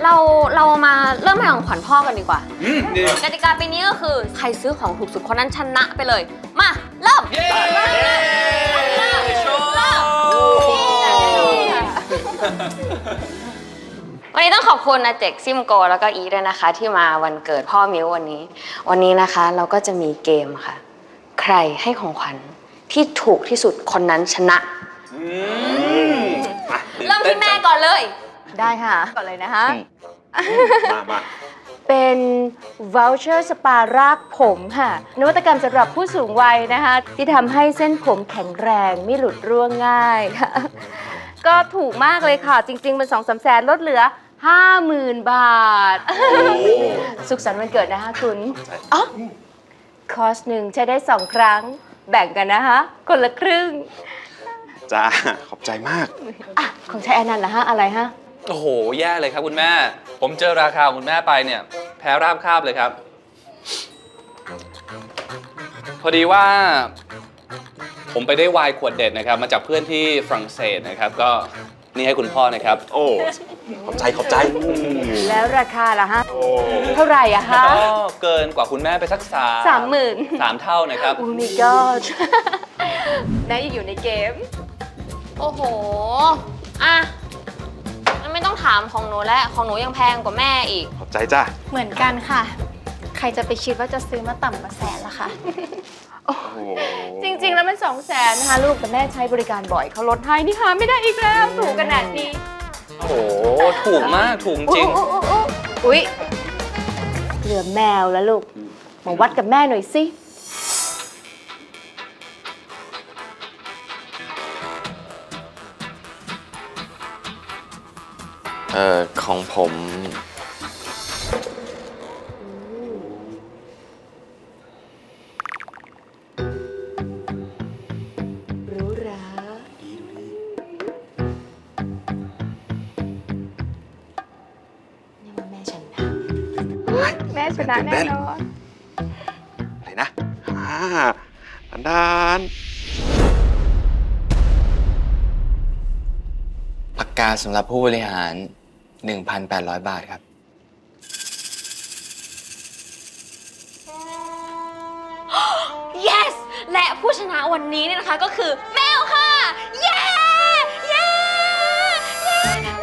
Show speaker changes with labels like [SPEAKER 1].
[SPEAKER 1] เรามาเริ่มให้ของขวัญพ่อกันดีกว่า
[SPEAKER 2] ดี
[SPEAKER 1] กติกาปีนี้ก็คือใครซื้อของถูกสุดคนนั้นชนะไปเลย มาเริ่ม
[SPEAKER 2] เย้โชว์
[SPEAKER 1] วันนี้ต้องขอบคุณอาเจกซิมโกแล้วก็อีด้วยนะคะ ที่มาวันเกิดพ่อมิววันนี้นะคะเราก็จะมีเกมค่ะ ใครให้ของขวัญที่ถูกที่สุดคนนั้นชนะ เริ่มที่แม่ก่อนเลย
[SPEAKER 3] ได้ค่ะก่อนเลยนะคะ
[SPEAKER 2] มา
[SPEAKER 3] เป็น voucher สปารากผมค่ะ นวัตกรรมสำหรับผู้สูงวัยนะคะ ที่ทำให้เส้นผมแข็งแรงไม่หลุดร่วงง่ายค่ะ ก็ถูกมากเลยค่ะ จริงๆมัน2-3 แสนลดเหลือ 50,000 บาท สุขสันต์วันเกิดนะคะคุณอ๋อคอร์สหนึ่งใช้ได้ 2 ครั้ง แบ่งกันนะคะ คนละครึ่ง
[SPEAKER 2] จ้า ขอบใจมาก
[SPEAKER 3] อ่ะของใช้อันนั้นละฮะอะไรฮะ
[SPEAKER 4] โอ้โห แย่เลยครับคุณแม่ ผมเจอราคาของคุณแม่ไปเนี่ย แพ้ราบคาบเลยครับ พอดีว่า ผมไปได้ไวน์ขวดเด็ดนะครับ มาจากเพื่อนที่ฝรั่งเศสนะครับ ก็นี่ให้คุณพ่อนะครับ
[SPEAKER 2] โอ้ ขอบใจ
[SPEAKER 3] แล้วราคาล่ะฮะ
[SPEAKER 2] โอ้
[SPEAKER 3] เท่าไหร่อะฮะ
[SPEAKER 4] ก็เกินกว่าคุณแม่ไปสัก
[SPEAKER 3] 30,000
[SPEAKER 4] 3 เท่านะครับ
[SPEAKER 3] โอ้ my god นายยังอยู่ในเกม
[SPEAKER 1] โอ้โหอ่ะงั้นไม่ต้องถามของหนูแล้วของหนูยังแพงกว่าแม่อีก
[SPEAKER 2] ขอบใจจ้า
[SPEAKER 5] เหมือนกันค่ะ ใครจะไปคิดว่าจะซื้อมาต่ำกว่าแสนล่ะคะ
[SPEAKER 2] โอ้โห
[SPEAKER 3] จริง ๆ แล้วมัน200,000นะคะลูกแต่แม่ใช้บริการบ่อยเขาลดให้นี่หาไม่ได้อีกแล้วถูกขนาดนี้
[SPEAKER 4] โอ้โห ถูกมาก ถูกจริง
[SPEAKER 3] อุ๊ยเหลือแมวแล้วลูก มาวัดกับแม่หน่อยสิ
[SPEAKER 6] ของผม
[SPEAKER 3] รู้รานี่ว่าแม่ชนะแม่ชนะแน่นอน
[SPEAKER 2] อะไรนะด้าน
[SPEAKER 6] ปากกาสำหรับผู้บริหาร 1,800 บาทครับ
[SPEAKER 1] yes และผู้ชนะวันนี้เนี่ยนะคะก็คือแมวค่ะ เย้ เย้ เย้